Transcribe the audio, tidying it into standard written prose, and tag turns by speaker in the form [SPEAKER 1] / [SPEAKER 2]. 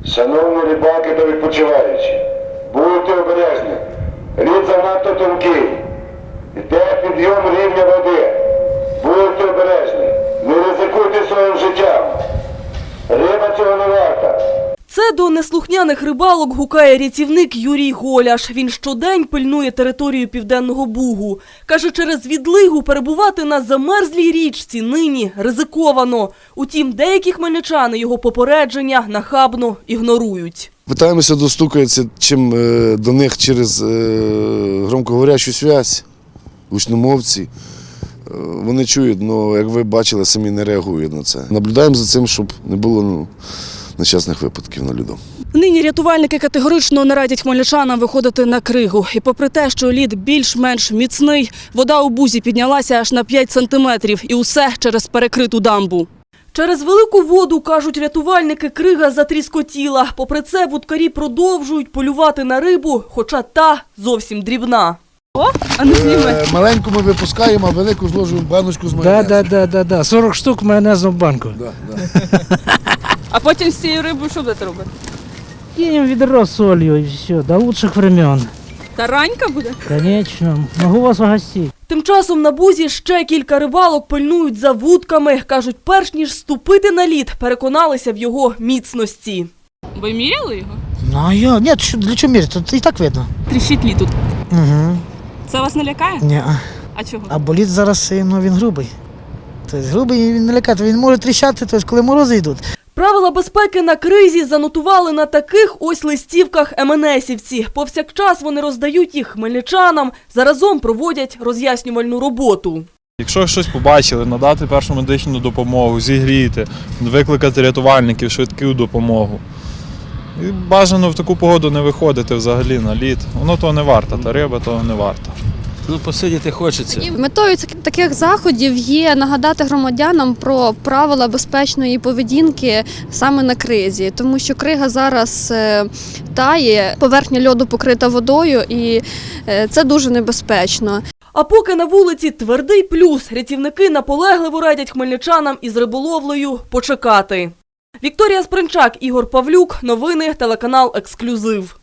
[SPEAKER 1] Шановні рибаки та відпочиваючі, будьте обережні. Лід занадто тонкий. Йде підйом рівня води. Будьте обережні. Не ризикуйте своїм життям. Риба цього не варта.
[SPEAKER 2] Це до неслухняних рибалок гукає рятівник Юрій Голяш. Він щодень пильнує територію Південного Бугу. Каже, через відлигу перебувати на замерзлій річці нині ризиковано. Утім, деякі хмельничани його попередження нахабно ігнорують.
[SPEAKER 3] Питаємося достукатися чим до них через громкоговорящу зв'язь, гучномовці. Вони чують, але, як ви бачили, самі не реагують на це. Наблюдаємо за цим, щоб не було нещасних випадків на льоду.
[SPEAKER 2] Нині рятувальники категорично не радять хмельничанам виходити на кригу. І попри те, що лід більш-менш міцний, вода у Бузі піднялася аж на 5 сантиметрів. І усе через перекриту дамбу. Через велику воду, кажуть рятувальники, крига затріскотіла. Попри це, вудкарі продовжують полювати на рибу, хоча та зовсім дрібна. О, а не зніме.
[SPEAKER 3] Маленьку ми випускаємо, а велику зложуємо в баночку з майонезом.
[SPEAKER 4] Да. 40 штук майонезу в банку.
[SPEAKER 2] А потім з цією рибою що будете робити?
[SPEAKER 4] Кинем ведро с солью и все, до лучших времен.
[SPEAKER 2] Таранька буде?
[SPEAKER 4] Конечно. Могу вас угостить.
[SPEAKER 2] Тим часом на Бузі ще кілька рибалок пильнують за вудками. Кажуть, перш ніж ступити на лід, переконалися в його міцності. Ви міряли його?
[SPEAKER 4] Ну, нет, для чего мерить? Тут и так видно.
[SPEAKER 2] Тріщить лід тут.
[SPEAKER 4] Угу.
[SPEAKER 2] Це вас не лякає?
[SPEAKER 4] Ні.
[SPEAKER 2] А чого?
[SPEAKER 4] А боліт зараз, він грубий. Тобто грубий він не лякає, він може тріщати, тобто, коли морози йдуть.
[SPEAKER 2] Правила безпеки на кризі занотували на таких ось листівках МНСівці. Повсякчас вони роздають їх хмельничанам, заразом проводять роз'яснювальну роботу.
[SPEAKER 5] Якщо щось побачили, надати першу медичну допомогу, зігріти, викликати рятувальників, швидку допомогу. І бажано в таку погоду не виходити взагалі на лід. Воно того не варто, та риба того не варта.
[SPEAKER 6] Посидіти хочеться.
[SPEAKER 7] Метою таких заходів є нагадати громадянам про правила безпечної поведінки саме на кризі, тому що крига зараз тає, поверхня льоду покрита водою і це дуже небезпечно.
[SPEAKER 2] А поки на вулиці твердий плюс, рятівники наполегливо радять хмельничанам із риболовлею почекати. Вікторія Спринчак, Ігор Павлюк. Новини, телеканал «Ексклюзив».